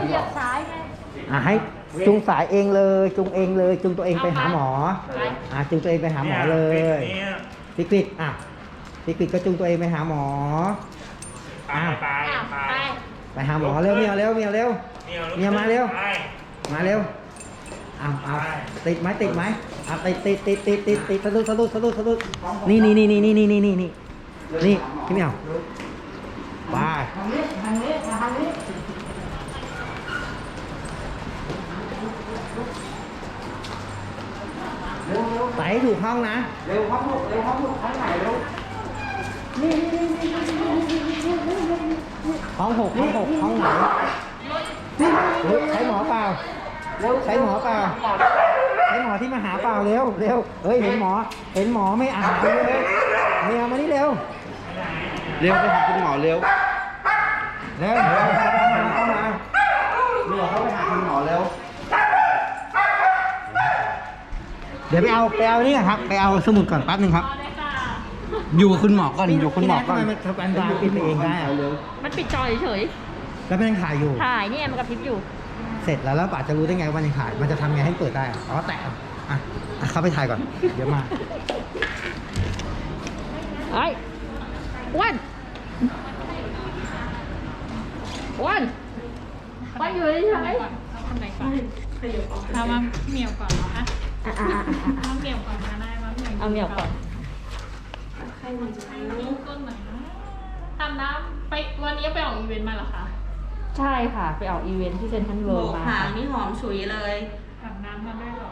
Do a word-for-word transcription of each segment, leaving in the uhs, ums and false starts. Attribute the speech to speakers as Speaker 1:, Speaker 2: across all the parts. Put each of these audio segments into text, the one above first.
Speaker 1: เหยียบซ้ายไง
Speaker 2: อ่ะให้จุงสายเองเลยจุงเองเลยจุงตัวเองไปหาหมออ่ะจุงตัวเองไปหาหมอเลยพิกฤตอ่ะพิกฤตก็จุงตัวเองไปหาหมออ่ะ
Speaker 3: ไปไป
Speaker 1: ไป
Speaker 2: ไปหาหมอเร็วเมียเร็วเมียเร็วเมียมาเร็วมาเร็วเอาเอาติดไหมติดไหมอ่ะติดติดติดติดติดติดสะดุดสะดุดสะดุดสะดุดนี่นี่นี่นี่นี่นี่นี่นี่นี่นี่พี่เมียวไปทางนี้ทางนี้ทางนี้ใส่ถูกห้องนะเร็วห้องลูกเร็วห้องลูกห้องไหนเร็วนี่นี่นี่ห้องหกห้องหกห้องไหนใช้หมอเปล่าใช้หมอเปล่าใช้หมอที่มาหาเปล่าเร็วเร็วเฮ้ยเห็นหมอเห็นหมอไม่อ่านเลยเมียมานี่เร็วเร็วไปหาคุณหมอเร็วเร็วเร็วเข้ามาเมียเขาไปหาคุณหมอเร็วเดี๋ยวไปเอาไปเอานี่ครับไปเอาสมุดก่อนแป๊บนึงครับอยู่กับคุณหมอก่อนอยู่คุณหมอก่อนทำไมมันทำการบาร์ปิดไปเองได้อะ
Speaker 1: มันปิดจอเฉย
Speaker 2: แล้วมันยังถ่ายอยู่
Speaker 1: ๆถ่ายนี่ไงมันกระพริบอยู่
Speaker 2: เสร็จแล้วแล้วป่าจะรู้ได้ไงว่ามันยังถ่ายมันจะทำไงให้เปิดได้อะอ๋อแตะอ่ะอ่ะเข้าไปถ่ายก่อนเดี๋ยวมา
Speaker 1: ไอ้วันวันวันอยู่เฉย
Speaker 4: ทำไหนก่อนเอามาเหมียวก่อนเหรอฮะ
Speaker 1: ๆอ่ะอ่ะอ่ะอ่ะ
Speaker 4: เอาเหมียวก่อนก็ได้มาเหมียว
Speaker 1: เอาเหมียวก่อน
Speaker 4: ลูกต้นไหนนะทำน้ำไปวันนี้ไปออกอีเวนต์มาเหรอคะ
Speaker 1: ใช่ค่ะไปออกอีเวนท์ที่เซ็นทรัลเวิลด์มา
Speaker 5: หางนี่หอมฉุยเลย
Speaker 4: อาบน้ำมาได้เหรอ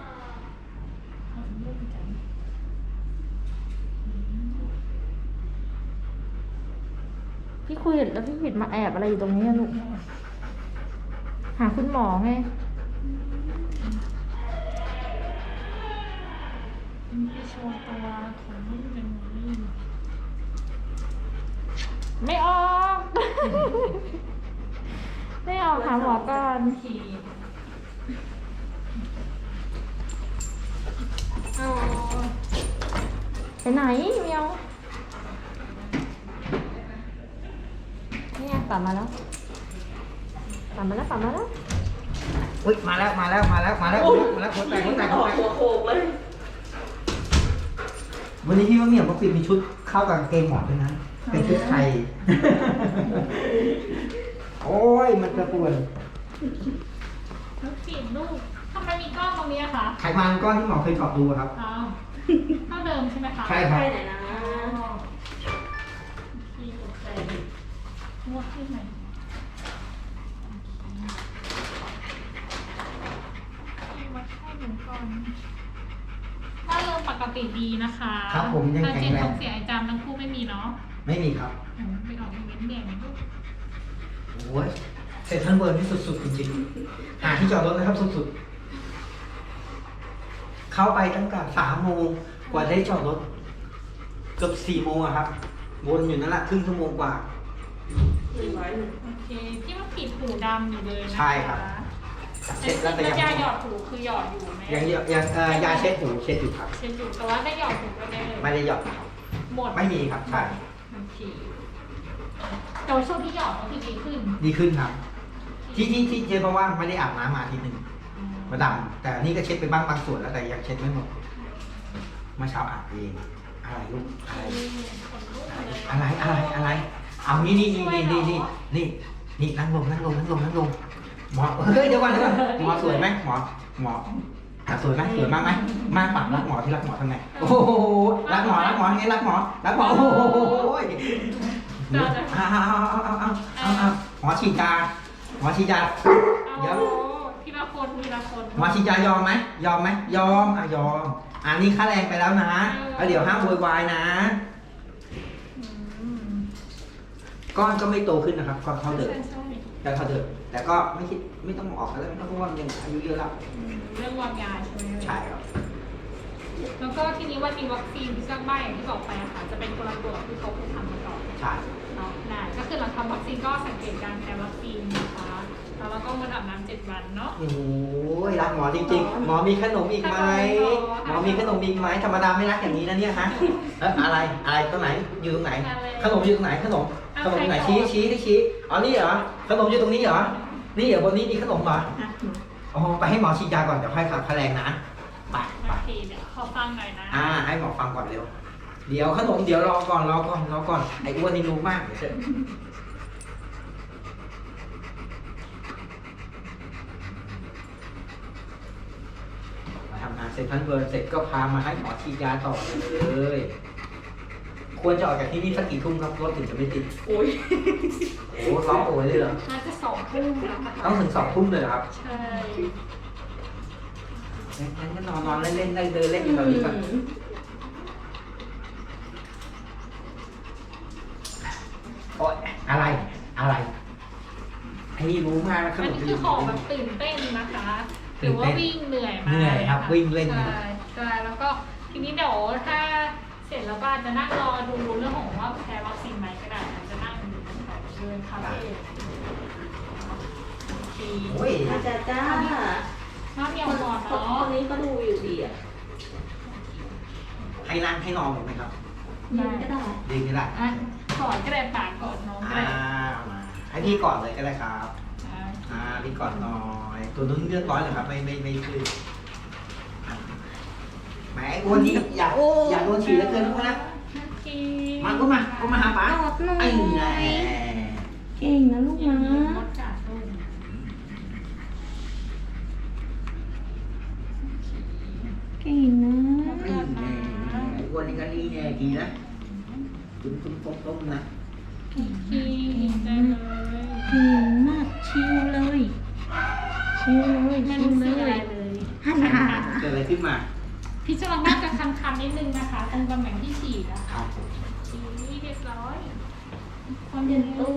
Speaker 1: พี่คุยแล้วพี่ผิดมาแอบอะไรอยู่ตรงนี้อะลูกหาคุณหมอไง
Speaker 4: พี่โชว์ตัวของลูกเป็นนี้
Speaker 1: ไม่ออก ไม่ออกหาหมอก่อน
Speaker 4: ขี่
Speaker 1: ไปไหนเมียวนี่ไงกลับมาแล้วกลับมาแล้วกลับมาแล้ว
Speaker 2: อุ้ยมาแล้วมาแล้วมาแล้วมาแล้วมาแล้วคนแตกคนแตกคนแตก
Speaker 5: หัวโขกเลย
Speaker 2: วันนี้พี่ว่าเมียเขาปิดมีชุดเข้ากับกางเกงหมอด้วยนะเป็นชุดไทย โอ้ยมันกระปวน
Speaker 4: ลูกปิดลูกทำไมมีกล้องตรงนี้อะคะ
Speaker 2: ไขมันก้อนที่หมอเคยเจาะดูครับ
Speaker 4: อ้าวเท่าเดิมใช่ไหมคะ
Speaker 2: ใช่ครับ
Speaker 5: ไปไหนนะ
Speaker 4: ขี่ตกใจงวดที่ไหนขี่วัดไข้หนูก่อนถ้าเริ่มปกติดีนะคะ
Speaker 2: ครับผมยัง
Speaker 4: แต่
Speaker 2: แข็ง
Speaker 4: เจน
Speaker 2: แร
Speaker 4: ท้อง งเสียไอจามทั้งคู่ไม่มีเนาะ
Speaker 2: ไม่มีครับ
Speaker 4: อืมไปออกอีเวนต์แดงลูก
Speaker 2: โอ้ยเซ็นทรัลเวิร์นี่สุดๆจริงๆหาที่จอดรถนะครับสุดๆเข้าไปตั้งแต่สามโมงกว่าได้จอดรถเกือบสี่โมงอะครับวนอยู่นั่นแหละครึ่งชั่วโมงกว่า
Speaker 5: หนึ่งร้อยหนึ่ง
Speaker 4: โอเคที่มันผิดหูดำอยู่เลยนะคะ
Speaker 2: ใช่ครับ เช็ดแล้วแต่ยัง
Speaker 4: ยาหยอดหูคือหยอดอยู่ไหม
Speaker 2: ยังยังยังเอ่อยาเช็ดหูเช็ดอยู่ครับ
Speaker 4: เช็ดอยู่แต่ว่าได้หยอดหูก็ได้เลย
Speaker 2: ไม่ได้หยอดครับ
Speaker 4: หมด
Speaker 2: ไม่มีครับใช่
Speaker 4: โอเคแต่ว่าช่วงที่หยอดก็คือดีขึ้น
Speaker 2: ดีขึ้นครับ ที่ที่ที่เช็ดเพราะว่าไม่ได้อาบน้ำมาอาทีหนึ่งมาดำแต่นี่ก็เช็ดไปบ้างบางส่วนแล้วแต่ยังเช็ดไม่หมดเมื่อเช้าอาบเองอะไรลูกอะไรอะไรอะไรอะไรเอานี่นี่นี่นี่นี่นี่นี่นี่นั่งลงนั่งลงนั่งลงนั่งลงหมอเฮ้ยเดี๋ยวก่อนเดี๋ยวก่อนหมอสวยไหมหมอหมออ่ะสวยไหมสวยมากไหมมากปากรักหมอที่รักหมอทำไงโอ้โหรักหมอรักหมอไงรักหมอรักหมอโอ้โหเอาเอาเอาเอาเอาเอาหมอฉีดยาหมอฉีดยาเดี๋ยว
Speaker 4: ทีละคนทีละคน
Speaker 2: หมอฉีดยายอมไหมยอมไหมยอมอ่ะยอมอันนี้ค่าแรงไปแล้วนะแล้วเดี๋ยวห้ามโวยวายนะก้อนก็ไม่โตขึ้นนะครับก้อนเท่าเดิมแต่เท่าเดิมแต่ก็ไม่คิดไม่ต้องออกแล้วไม่ต้องเพราะว่ามันยังอายุเยอะแล้ว
Speaker 4: เรื่องวางยาใช่ไหม
Speaker 2: ใช่ครับ
Speaker 4: แล้วก็ทีนี้วันมีวัคซีนที่ก็ใบอย่างที่บอกไปอะค่ะจะเป็นคนละตัวกับที่เขาเคยทำมาก่อน
Speaker 2: ใช่
Speaker 4: เนาะได้ก็คือหลังทำวัคซีนก็สังเกตการแพ้วัคซีนนะคะแล้วเราก็งดอาบน้ำเจ็ดวันเนาะ
Speaker 2: โอ้ยรักหมอจริงๆ หมอมีขนมอีกไหมหมอมีขนมอีกไหมธรรมดาไม่รักอย่างนี้นะเนี่ยฮะเอออะไรอะไรตรงไหนอยู่ตรงไหน ขนมอยู่ตรงไหนขนมขนมอยู่ไหนชี้ชี้ที่ชี้อ๋อนี่เหรอขนมอยู่ตรงนี้เหรอนี่เดี๋ยวบนนี้มีขนมเหรอ
Speaker 5: อ่ะ
Speaker 2: อ๋อไปให้หมอฉีดยาก่อนเดี๋ยวค่อยขับแพลงนะไปไป
Speaker 4: โอเคเดี๋ยวขอฟังหน่อยนะ
Speaker 2: อ่าให้หมอฟังก่อนเร็วเดี๋ยวขนมเดี๋ยวรอก่อนรอก่อนรอก่อนไอ้อ้วนนี่รู้มากเดี๋ยวเสร็จมาทำงานเสร็จพันเบิร์นเสร็จก็พามาให้หมอฉีดยาต่อเลยควรจะออกจากที่นี่สักกี่ทุ่มครับรถถึงจะไม่ติด
Speaker 5: โอ้ย
Speaker 2: โอ้ร้องโอยเลยเหรอ
Speaker 4: น่าจะสองทุ่มแล้วนะคะ
Speaker 2: ต้องถึงสองทุ่มเลยเหรอครับ
Speaker 4: ใช่
Speaker 2: งั้นก็นอนนอนเล่นเล่นได้เดินเล่นอยู่แบบนี้ก่อนโอ๊ยอะไรอะไรไอ้นี่รู้มากนะข
Speaker 4: อัน
Speaker 2: นม
Speaker 4: นี้
Speaker 2: จี
Speaker 4: คือน ของแบบตื่นเต้นนะคะหรือว่าวิ่งเหนื่อยมา
Speaker 2: เหนื่อยครับวิ่งเล่น
Speaker 4: ใช่ใช่แล้วก็ทีนี้เดี๋ยวถ้าเสร็จแล้วบ้านจะนั่งรอดูเรื่องของว่าแพ้วัคซีนไหมก็ได้นะจะนั่งดูแถวเดินคาเฟ่โอเค
Speaker 2: โอ้ย
Speaker 5: อาจารย์จ้า
Speaker 4: น้ำเมียว
Speaker 5: คน
Speaker 4: หมอน
Speaker 5: ค
Speaker 4: เนาะ
Speaker 5: นนี้ก็ดูอยู่ดีอ่ะ
Speaker 2: ให้นั่งให้นอนหมดไหมครับ
Speaker 5: ยืนก็ได้
Speaker 2: ดีก็ได้
Speaker 4: อ่ะกอดก็ได้ปากกอดน้องก็
Speaker 2: อ่า
Speaker 4: ได้
Speaker 2: มาให้พี่ก่อนเลยก็ได้ครับ
Speaker 4: อ่า
Speaker 2: อ่าพี่ก่อนหน่อยตัวนู้นเลือดร้อนเหรอครับไม่ไม่ไม่คือแหมไอ้อ้วนนี่อยากอยากโดนฉีดแล้วเกินพวกนะ
Speaker 4: โอเค
Speaker 2: มาก็มาก็มาหาป๋า
Speaker 5: ตอบหน่อย
Speaker 2: ไอ้แน่
Speaker 5: เก่งนะลูก
Speaker 4: อย่า
Speaker 5: นะ
Speaker 4: งนี้มดกัดลูก
Speaker 5: เก่งนะ
Speaker 2: ไอ้แน่ไอ้อ้วนนี่ก็นี่แน่ดีนะตุ้มตุ้มต้มต้มนะ
Speaker 4: โอเคได้เลย
Speaker 5: เก่งมากชิวเลยชิวเลย
Speaker 4: ไม่
Speaker 5: ชิว
Speaker 4: รู้
Speaker 5: เล
Speaker 4: สึกอะไร
Speaker 5: ย
Speaker 4: เลย
Speaker 5: ฮันนา
Speaker 2: เกิดอะไรขึ้นมา
Speaker 4: พี่จรังน่าจะคันๆนิดนึงนะคะ ตรงตำแหน่งที่ฉีดนะ
Speaker 2: ค
Speaker 4: คะ
Speaker 2: รับผม
Speaker 4: ฉีดเรียบร้อยคน
Speaker 5: เปลี่ยนตัว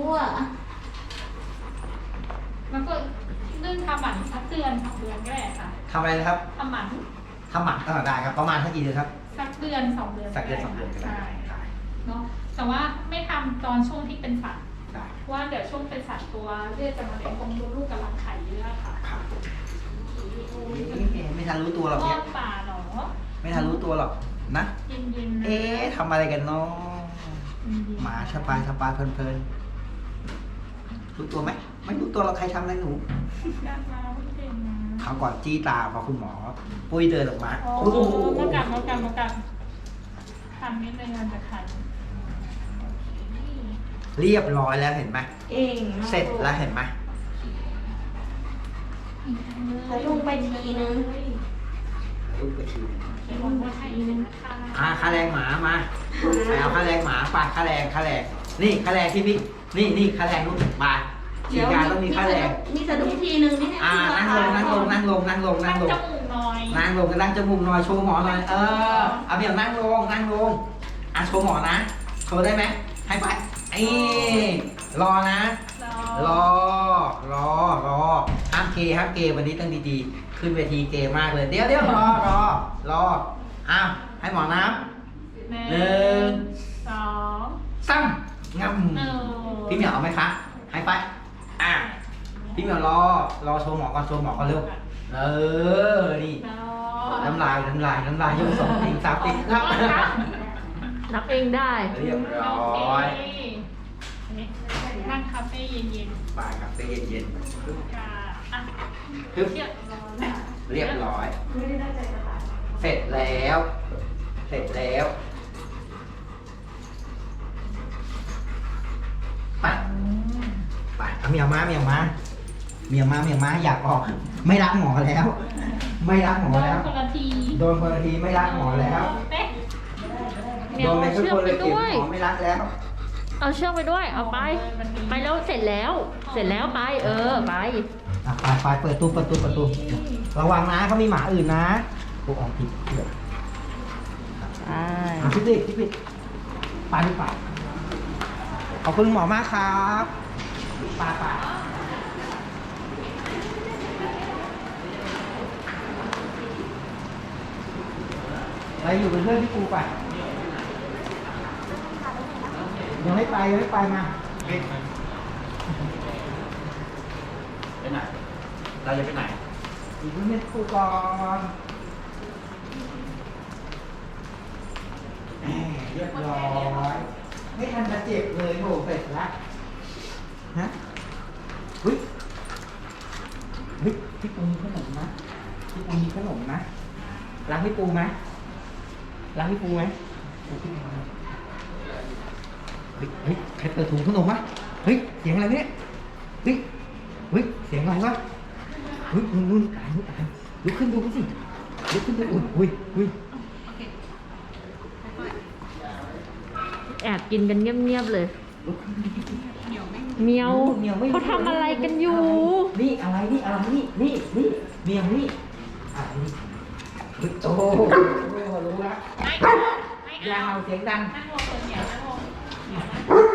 Speaker 4: แล้วก็เรื่องทำหมันสักเดือนสองเดือนก็ได้ค่ะ
Speaker 2: ทำอะไรนะครับ
Speaker 4: ทำหมัน
Speaker 2: ทำหมันก็ได้ครับประมาณสักกี่เดือนครับ
Speaker 4: สักเดือนสองเดือน
Speaker 2: สักเดือนสองเดือนก็ได้
Speaker 4: ใช่
Speaker 2: ได้
Speaker 4: เนาะแต่ว่าไม่ทำตอนช่วงที่เป็นสัตว์
Speaker 2: ได้
Speaker 4: เพราะว่าเดี๋ยวช่วงเป็นสัตว์ตัวเลือดจะมาเลี้ยงตรงมดลูกกับรังไข่เยอะค่ะ
Speaker 2: ครับ
Speaker 4: โอ้ย
Speaker 2: ไม่ไม่ทันรู้ตัวหรอก
Speaker 4: ท
Speaker 2: เนี่
Speaker 4: อย ดป่าเหรอ
Speaker 2: ไม่ทันรู้ตัวหรอกนะ
Speaker 4: เย็นๆนะ
Speaker 2: เอ๊ะทำอะไรกันเนาะ
Speaker 4: เย็นๆ
Speaker 2: หมาสบายสบายเพลินๆรู้ตัวไหมไม่รู้ตัวเราใครทำอะไรหนู
Speaker 4: อยากมาไม่เก่งนะ
Speaker 2: เขาวก่อนจี้ตาพอคุณหมอ ปุ้ยเดินออกมา
Speaker 4: อ๋อ
Speaker 2: โอ้โห
Speaker 4: มากันมากันมากันคันนิดนึงมันจะคัน
Speaker 2: เรียบร้อยแล้วเห็นไหม
Speaker 5: เก่งมาก
Speaker 2: เสร็จแล้วเห็นไหม
Speaker 5: แล้วลงไปทีนึง
Speaker 2: ลูกกระชิว
Speaker 4: เดี๋ยวผมว่าให้อีกนะคะ
Speaker 2: อ่าค่าแรงหมามาไปเอาค่าแรงหมาไปค่าแรงค่าแรงนี่ค่าแรงที่พี่นี่นี่ค่าแรงลูกมาฉีดยาต้องมีค่าแรง
Speaker 5: มีสะดุ้งทีนึงนี่เนี่ย
Speaker 2: อ่านั่งลงนั่งลงนั่งลงนั่งลงนั่
Speaker 4: ตั้
Speaker 2: ง
Speaker 4: ง
Speaker 2: ลง
Speaker 4: จมูกหน่อย
Speaker 2: นั่งลงกันนั่งจมูกหน่อยโชว์หมอหน่อยเออเอาเบี่ยงนั่งลงนั่งลงอ่ะโชว์หมอนะโชว์ได้ไหมให้ไปไอ้รอนะ รอรอรอห้ามเกห้ามเกวันนี้ต้องดีๆขึ้นเวทีเกมากเลยเดี๋ยวเดี๋ยวรอรอรออ้าวให้หมอนับ
Speaker 4: หนึ่
Speaker 2: หนึ่ง
Speaker 4: สอง
Speaker 2: ซ้ำง
Speaker 4: หนึ่ง
Speaker 2: ำพี่เหมียวเอาไหมคะให้ไปอ่ะพี่เหมียวรอรอโชว์หมอก่อนโชว์หมอก่อนเร็วเออนี่ น้ำลายน้ำลายน้ำลายยกสองติงสามติงครับ
Speaker 1: นับเองได้
Speaker 2: เรียบร้อย
Speaker 4: นั่งคาเฟ่เย็น
Speaker 2: บ่ายครับเย็น
Speaker 4: ๆค่ะอ่ะ
Speaker 2: ๆปึ๊บ
Speaker 4: เทียบรอแล้ว
Speaker 2: เรียบร้อย เสร็จแล้ว เสร็จแล้วไปไปเอาเมียมาเมียมาเมียมาเมียมาอยากออก ไม่รักหมอแล้ว ไม่รักหมอ
Speaker 4: โดน
Speaker 2: แล้ว
Speaker 4: คนละที
Speaker 2: โดนคนละทีไม่รักหมอแล้ว
Speaker 4: เอ๊ะ
Speaker 2: โดนไปทุกคนเลยเก็บหมอไม่รักแล้ว
Speaker 1: เอาเชือกไปด้วย เอาไป ไปแล้วเสร็จแล้ว เสร็จแล้วไป เออ ไป
Speaker 2: อ่ะไปไปเปิดตู้เปิดตู้เปิดตู้ระวังนะเขามีหมาอื่นนะพวกออกผิดเดี๋ยว
Speaker 1: ไป
Speaker 2: อ่ะพี่ดิพี่ดิไปดีกว่าขอบคุณหมอมากครับไปไปไปอยู่เป็นเพื่อนพี่ปูไปยังไม่ไปยังไม่ไปมาไปไหนเราจะไปไหนอยู่เป็นเพื่อนพี่ปูก่อนแหม่เรียบร้อยไม่ทันจะเจ็บเลยโหเสร็จแล้วฮะอุ้ยเฮ้ยพี่ปูมีขนมนะพี่ปูมีขนมนะรักพี่ปูไหมรักพี่ปูไหมเฮ้ยเฮ้ยใครเปิดถุงขนมวะเฮ้ยเสียงอะไรเนี่ยเฮ้ยเฮ้ยเสียงอะไรวะเฮ้ยนู่นนู่นอ่านนู่นอ่านลุกขึ้นดูสิลุกขึ้นดูอุ้ยอุ้ย
Speaker 1: แอบกินกันเงียบๆเลย
Speaker 2: ลุกขึ้นดู
Speaker 1: เมียว
Speaker 2: เมียวไม่
Speaker 1: เขาทำอะไรกันอยู่
Speaker 2: นี่อะไรนี่อะไรนี่นี่นี่เมียวนี่อ่ะนี่เฮ้ยโอ้โหรู้ละ
Speaker 4: ไม่
Speaker 2: อย่า
Speaker 4: เอา
Speaker 2: เห่าเสียงดัง
Speaker 4: นั่งลงเปิดเดี๋ยวนั่งลงเดี๋ยวนะ